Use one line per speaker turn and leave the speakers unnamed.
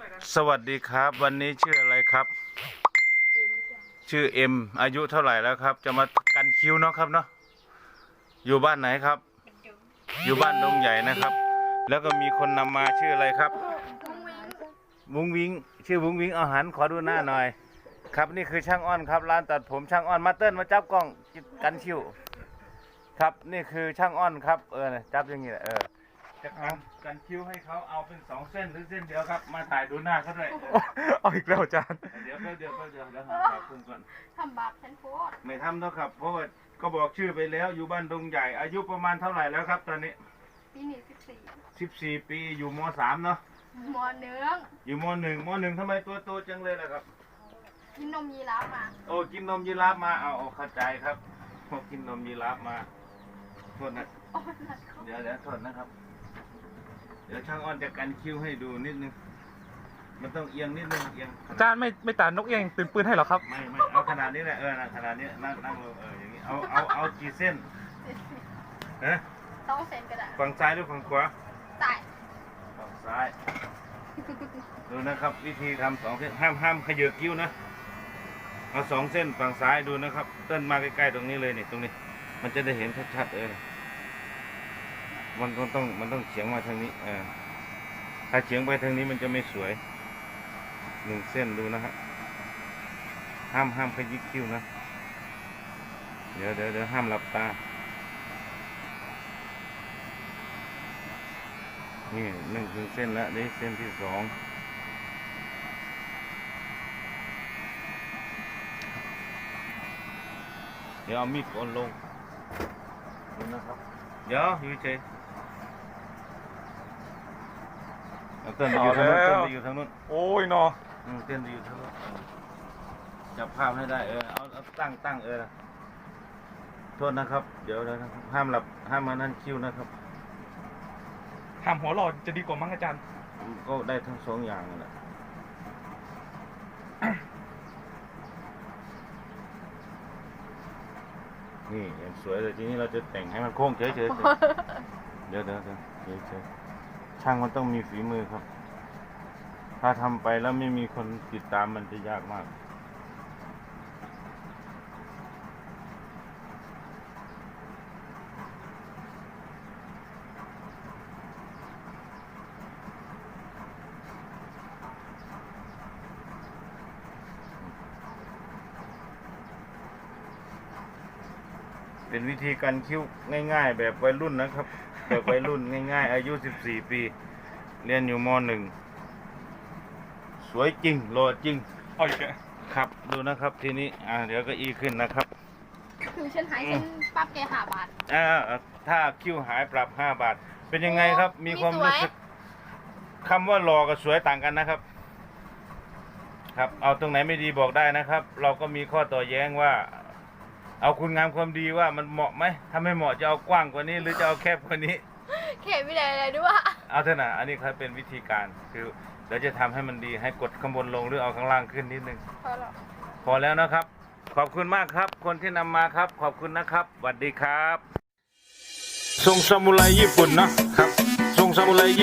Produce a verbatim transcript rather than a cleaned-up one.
สวัสดีครับวันนี้ชื่ออะไรครับชื่อเอ็มอายุเท่าไหร่แล้วครับจะมากันคิ้วเนาะครับเนาะอยู่บ้านไหนครับอยู่บ้านดงใหญ่นะครับ แล้วก็มีคนนำมาชื่ออะไรครับวุ้งวิงชื่อวุ้งวิงเอาหันขอดูหน้าหน่อยครับนี่คือช่างอ้อนครับร้านตัดผมช่างอ้อนมาเติ้ลมาจับกล้องกันคิ้วครับนี่คือช่างอ้อนครับเออจับอย่างนี้แหละเออจะทำกันคิ้วให้เขาเอาเป็นสองเส้นหรือเส้นเดียวครับมาถ่ายดูหน้าเขาด้วย
เอาอีกแล้วอาจารย์
เดี๋ยวเดี๋ยวเดี๋ยวเดี๋ยวหาคุณก่อน
ทำบาปฉันโพด
ไม่ทำแล้วครับเพราะว่าก็บอกชื่อไปแล้วอยู่บ้านดงใหญ่อายุประมาณเท่าไหร่แล้วครับตอนนี้
ปีนี้สิบสี่
สิบสี่ปีอยู่มสามเนาะ
มอเนื้อ
อยู่มหนึ่งมหนึ่งทำไมตัวโตจังเลยล่ะครับ
กินนมยีราฟมา
โอ้กินนมยีราฟมาเอาเข้าใจครับพอกินนมยีราฟมาโทษนะเดี๋ยวเดี๋ยวโทษนะครับเดี๋ยวช่างอ้อนจะกันคิ้วให้ดูนิดนึงมันต้องเอียงนิดนึงเอียง
อาจารย์ไม่ไม่ตัดนกเองตื่นปืนให้หรอครับ
ไม่ไม่เอาขนาดนี้แหละเออขนาดนี้นั่งนั่งลงเอออย่างนี้เอาเอาเอากี่เส้นฮะ
ต้องเซนก็ได้
ฝั่งซ้ายหรือฝั่งขวา
ซ้าย
ฝั่งซ้ายดูนะครับวิธีทำสองเส้นห้ามห้ามขยือคิ้วนะเอาสองเส้นฝั่งซ้ายดูนะครับเต้นมาใกล้ๆตรงนี้เลยนี่ตรงนี้มันจะได้เห็นชัดๆเออมันต้องมันต้องเฉียงมาทางนี้เออถ้าเฉียงไปทางนี้มันจะไม่สวยหนึ่งเส้นดูนะฮะห้ามห้ามขยิบคิ้วนะเดี๋ยวเดี๋ยวเดี๋ยวห้ามหลับตานี่หนึ่งถึงเส้นแล้วนี่เส้นที่สองเดี๋ยวเอามีดโกนลงดูนะครับเดี๋ยวอยู่เฉยเต้นไปอยู่ทางนู้นเต้นไปอยู่ทางนู้น
โอ้ยนอ
เต้นไปอยู่ทางนู้นจับภาพให้ได้เออเอาเอาตั้งตั้งเออโทษนะครับเดี๋ยวนะครับห้ามหลับห้ามมานั่นคิ้วนะครับ
ทำหัวหลอดจะดีกว่ามั้งอาจารย์
ก็ได้ทั้งสองอย่างนั่นแหละนี่อย่างสวยเลยทีนี้เราจะแต่งให้มันโค้งเฉยๆเดี๋ยวเดี๋ยวเดี๋ยวเฉยๆช่างมันต้องมีฝีมือครับ ถ้าทำไปแล้วไม่มีคนติดตามมันจะยากมากเป็นวิธีการคิ้วง่ายๆแบบวัยรุ่นนะครับแบบวัยรุ่นง่ายๆอายุสิบสี่ปีเรียนอยู่มหนึ่งสวยจริงหล่อจริง
เอาอีก
ครับดูนะครับทีนี้อ่าเดี๋ยวก็อีขึ้นนะครับ
คือฉันหายฉันปรับแกห้าบาท
อ่าถ้าคิ้วหายปรับห้าบาทเป็นยังไงครับมีความรู้สึกคำว่าหล่อกับสวยต่างกันนะครับครับเอาตรงไหนไม่ดีบอกได้นะครับ เราก็มีข้อต่อแย้งว่าเอาคุณงามความดีว่ามันเหมาะไหมถ้าไม่เหมาะจะเอากว้างกว่านี้หรือจะเอาแคบกว่านี้
เข็มไม่ได้อะไรด้วย
เอาเถอะนะอันนี้ครับเป็นวิธีการคือเราจะทำให้มันดีให้กดข้างบนลงหรือเอาข้างล่างขึ้นนิดนึง
พอแล้ว
พอแล้วนะครับขอบคุณมากครับคนที่นำมาครับขอบคุณนะครับสวัสดีครับทรงซามูไรญี่ปุ่นเนาะครับทรงซามูไร